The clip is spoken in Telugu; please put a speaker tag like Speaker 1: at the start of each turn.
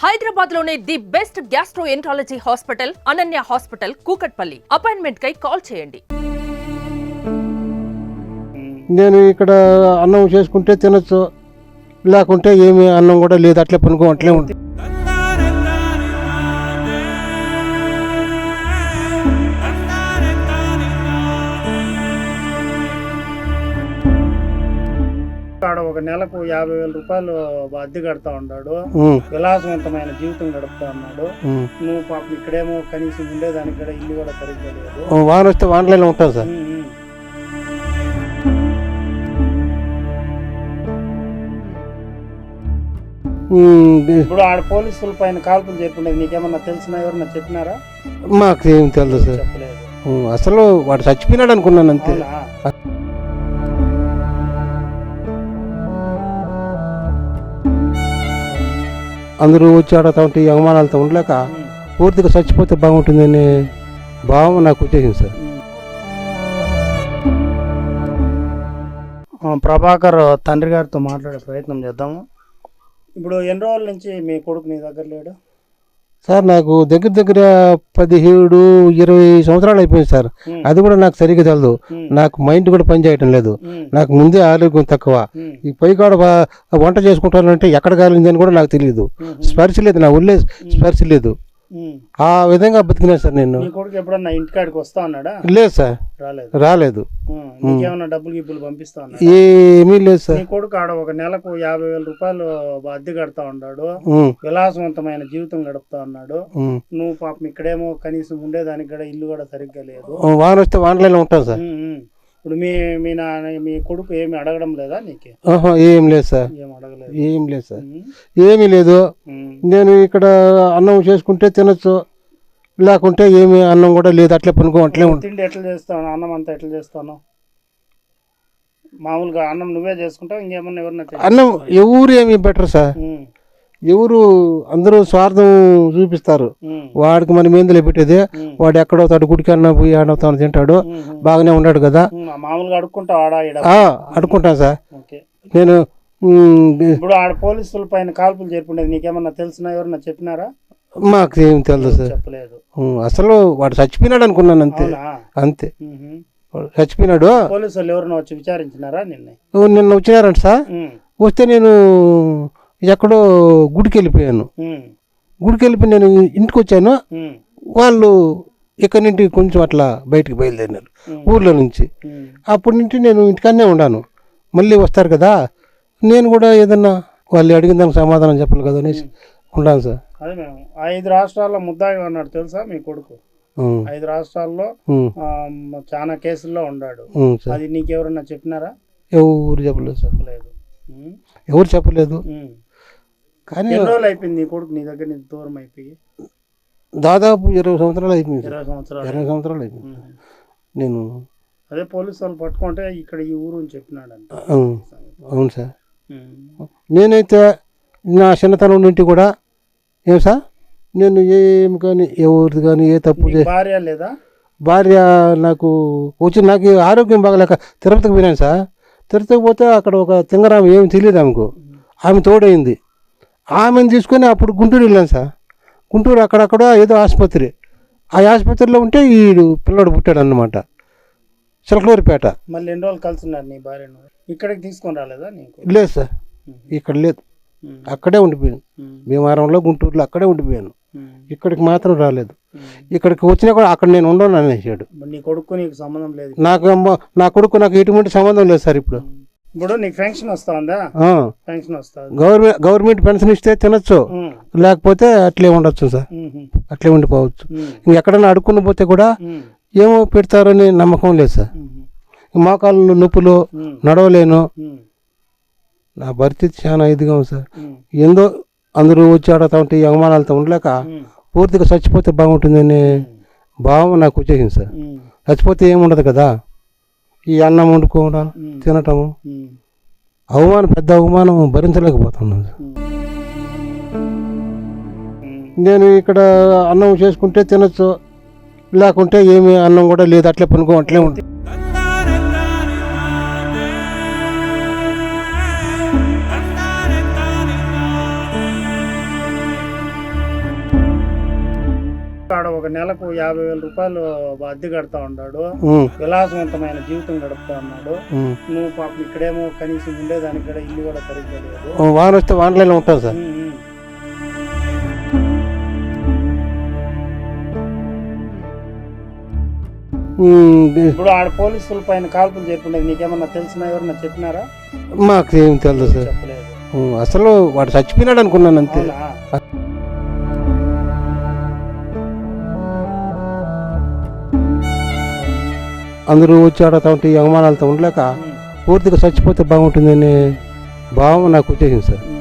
Speaker 1: హైదరాబాద్ లోనే the best gastroenterology hospital Ananya hospital Kukatpally. Appointment కై కాల్ చేయండి.
Speaker 2: నేను ఇక్కడ అన్నం చేసుకుంటే తినొచ్చు, లేకుంటే ఏమి అన్నం కూడా లేదు, అట్లే పనుకో అట్లే ఉంటుంది.
Speaker 3: ఒక నెలకు 50,000 రూపాయలు అద్దె కడతా ఉన్నాడు. విలాసవంతమైన జీవితం గడుపుతా ఉన్నాడు. నువ్వు పాపం ఇక్కడేమో కనీసం ఉండేదానికి కూడా ఇల్లు కూడా సరిగ్గా లేదు.
Speaker 2: వాన వస్తే వానలో ఉంటాను సార్.
Speaker 3: ఇప్పుడు ఆడ పోలీసుల పైన కాల్పులు చెప్పుండేది నీకేమన్నా తెలిసినా, ఎవరన్నా చెప్పినారా?
Speaker 2: మాకు ఏం తెలియదు సార్.
Speaker 3: చెప్పలేదు.
Speaker 2: అసలు వాడు చచ్చిపోయినాడు అనుకున్నాను అంతే. అందరూ వచ్చి ఆడతా ఉంటే అవమానాలతో ఉండలేక పూర్తిగా చచ్చిపోతే బాగుంటుందనే భావం నాకు వచ్చేసింది సార్.
Speaker 3: ప్రభాకర్ తండ్రి గారితో మాట్లాడే ప్రయత్నం చేద్దాము. ఇప్పుడు ఎన్ని రోజుల నుంచి మీ కొడుకు నీ దగ్గర లేడు?
Speaker 2: సార్ నాకు దగ్గర 17-20 సంవత్సరాలు అయిపోయింది సార్. అది కూడా నాకు సరిగ్గా తెలదు. నాకు మైండ్ కూడా పని చేయటం లేదు. నాకు ముందే ఆరోగ్యం తక్కువ. ఈ పైకాడ వంట చేసుకుంటానంటే ఎక్కడ కాలింది అని కూడా నాకు తెలియదు. స్పర్శ లేదు, నా ఒళ్ళే స్పర్శ లేదు. ఆ విధంగా బతికినా సార్ నేను.
Speaker 3: కొడుకు ఎప్పుడన్నా ఇంటికాడికి వస్తా ఉన్నాడా?
Speaker 2: లేదు సార్, రాలేదు.
Speaker 3: నీకేమన్నా డబ్బులు గిబ్బులు పంపిస్తా ఉన్నా?
Speaker 2: ఏమీ లేదు సార్.
Speaker 3: నీ కొడుకు ఆడ ఒక నెలకు 50,000 రూపాయలు అద్దె కడతా ఉన్నాడు. విలాసవంతమైన జీవితం గడుపుతా ఉన్నాడు. నువ్వు పాపం ఇక్కడేమో కనీసం ఉండేదానికి కూడా ఇల్లు కూడా సరిగ్గా లేదు.
Speaker 2: వాన వస్తే వానలో ఉంటాను సార్.
Speaker 3: ఇప్పుడు మీ కొడుకు ఏమి అడగడం లేదా నీకు?
Speaker 2: ఏం లేదు సార్,
Speaker 3: ఏం అడగలేదు.
Speaker 2: ఏం లేదు సార్, ఏమీ లేదు. నేను ఇక్కడ అన్నం చేసుకుంటే తినొచ్చు, లేకుంటే ఏమి అన్నం కూడా లేదు, అట్లే పనుకో అట్లే ఉంటుంది.
Speaker 3: తిండి ఎట్లా చేస్తాను? అన్నం అంతా ఎట్లా చేస్తాను? మామూలుగా అన్నం నువ్వే చేసుకుంటావు? ఇంకేమన్నా ఎవరన్నా?
Speaker 2: అన్నం ఎవరు ఏమి బెటర్ సార్. ఎవరు అందరూ స్వార్థం చూపిస్తారు. వాడికి మనం ఏందులో పెట్టేది, వాడు ఎక్కడో తాడు గుడికి అన్న పోయి ఆడవుతాను తింటాడు, బాగానే ఉన్నాడు కదా.
Speaker 3: మామూలుగా అడుక్కుంటావు?
Speaker 2: అడుక్కుంటాను సార్ నేను.
Speaker 3: ఇప్పుడు ఆడ పోలీసుల పైన కాల్పులు చెప్పుండేది నీకేమన్నా తెలిసినా, ఎవరన్నా చెప్పినారా?
Speaker 2: మాకు ఏం తెలియదు సార్.
Speaker 3: చెప్పలేదు.
Speaker 2: అసలు వాడు చచ్చిపోయినాడు అనుకున్నాను అంతే. అంతే, చచ్చిపోయినాడు.
Speaker 3: పోలీసు వాళ్ళు ఎవరన్నా వచ్చి విచారించినారా? నిన్న
Speaker 2: వచ్చినారంట సార్. వస్తే నేను ఎక్కడో గుడికి వెళ్ళిపోయాను. గుడికి వెళ్ళిపోయి నేను ఇంటికి వచ్చాను. వాళ్ళు ఇక్కడి నుండి కొంచెం అట్లా బయటికి బయలుదేరినారు ఊర్లో నుంచి. అప్పటి నుంచి నేను ఇంటికన్నే ఉన్నాను. మళ్ళీ వస్తారు కదా, నేను కూడా ఏదన్నా వాళ్ళు అడిగిన దానికి సమాధానం చెప్పాలి కదా అనేసి ఉన్నాను సార్.
Speaker 3: అదే మేము 5 రాష్ట్రాల్లో ముద్దాయి ఉన్నాడు తెలుసా మీ కొడుకు? 5 రాష్ట్రాల్లో చాలా కేసుల్లో ఉన్నాడు. అది నీకెవరన్నా చెప్పినారా?
Speaker 2: ఎవరు చెప్పలేదు.
Speaker 3: చెప్పలేదు.
Speaker 2: ఎవరు చెప్పలేదు. కానీ
Speaker 3: ఎన్ని రోజులు అయిపోయింది నీ కొడుకు నీ దగ్గర నుంచి దూరం అయిపోయి?
Speaker 2: దాదాపు 20 సంవత్సరాలు అయిపోయింది.
Speaker 3: 20
Speaker 2: సంవత్సరాలు అయిపోయింది. నేను
Speaker 3: అదే పోలీసు వాళ్ళు పట్టుకుంటే ఇక్కడ ఈ ఊరు అని చెప్పినాడంట.
Speaker 2: అవును సార్. నేనైతే నా చిన్నతనం నుండి కూడా ఏం సార్, నేను ఏమి కానీ ఎవరిది కానీ ఏ తప్పు
Speaker 3: భార్య లేదా?
Speaker 2: భార్య నాకు వచ్చి నాకు ఆరోగ్యం బాగలేక తిరుపతికి పోయినాను సార్. తిరుపతికి పోతే అక్కడ ఒక తింగరామ ఏమి తెలియదు ఆమెకు. ఆమె తోడైంది. ఆమెను తీసుకొని అప్పుడు గుంటూరు వెళ్ళాను సార్. గుంటూరు అక్కడక్కడ ఏదో ఆసుపత్రి, ఆ ఆసుపత్రిలో ఉంటే ఈ పిల్లడు పుట్టాడు అన్నమాట, చిలకలూరిపేట.
Speaker 3: మళ్ళీ ఎన్ని రోజులు కలిసిన్నారు నీ భార్యను? ఇక్కడికి తీసుకొని రాలేదా నీకు?
Speaker 2: లేదు సార్, ఇక్కడ లేదు, అక్కడే ఉండిపోయాను. భీమవరంలో గుంటూరులో అక్కడే ఉండిపోయాను. ఇక్కడికి మాత్రం రాలేదు. ఇక్కడికి వచ్చినా కూడా అక్కడ నేను ఉండను అనేసాడు.
Speaker 3: నీ కొడుకు నీకు సంబంధం లేదు?
Speaker 2: నా కొడుకు నాకు ఎటువంటి సంబంధం లేదు సార్. ఇప్పుడు
Speaker 3: నీకు పెన్షన్ వస్తుందా? పెన్షన్ వస్తుంది.
Speaker 2: గవర్నమెంట్ పెన్షన్ ఇస్తే తినొచ్చు, లేకపోతే అట్లే ఉండొచ్చు సార్, అట్లే ఉండిపోవచ్చు. ఇంకెక్కడన్నా అడుక్కుని పోతే కూడా ఏమో పెడతారని నమ్మకం లేదు సార్. మోకాళ్ళు నొప్పులు, నడవలేను. నా పరిస్థితి చాలా ఇదిగా ఉంది సార్. ఏందో అందరూ వచ్చి ఆడతా ఉంటే అవమానాలతో ఉండలేక పూర్తిగా చచ్చిపోతే బాగుంటుందనే భావం నాకు వచ్చేసింది సార్. చచ్చిపోతే ఏముండదు కదా, ఈ అన్నం వండుకోవడం తినటము, పెద్ద అవమానం భరించలేకపోతున్నాను సార్. నేను ఇక్కడ అన్నం చేసుకుంటే తినొచ్చు, లేకుంటే ఏమి అన్నం కూడా లేదు, అట్లే పనుకో అట్లే ఉంటుంది.
Speaker 3: ఆడ ఒక నెలకు 50,000 రూపాయలు అద్దె కడతా ఉన్నాడు.
Speaker 2: ఉమ్,
Speaker 3: విలాసవంతమైన జీవితం గడుపుతా ఉన్నాడు.
Speaker 2: ఉమ్.
Speaker 3: నువ్వు పాపం ఇక్కడేమో కనీసం ఉండేదానికి కూడా ఇల్లు కూడా సరిగ్గా లేదు.
Speaker 2: వాన వస్తే వానలో ఉంటాం సార్.
Speaker 3: ఇప్పుడు ఆడ పోలీసుల పైన కాల్పులు జరిపినది నీకేమన్నా తెలిసినా ఎవరన్నా చెప్పినారా?
Speaker 2: మాకు ఏం తెలియదు సార్.
Speaker 3: చెప్పలేదు.
Speaker 2: అసలు వాడు చచ్చిపోయినాడు అనుకున్నాను అంతే.
Speaker 3: అవునా?
Speaker 2: అందరూ వచ్చి ఆడుతూ ఉంటే ఈ అవమానాలతో ఉండలేక పూర్తిగా చచ్చిపోతే బాగుంటుందనే భావం నాకు వచ్చేసింది సార్.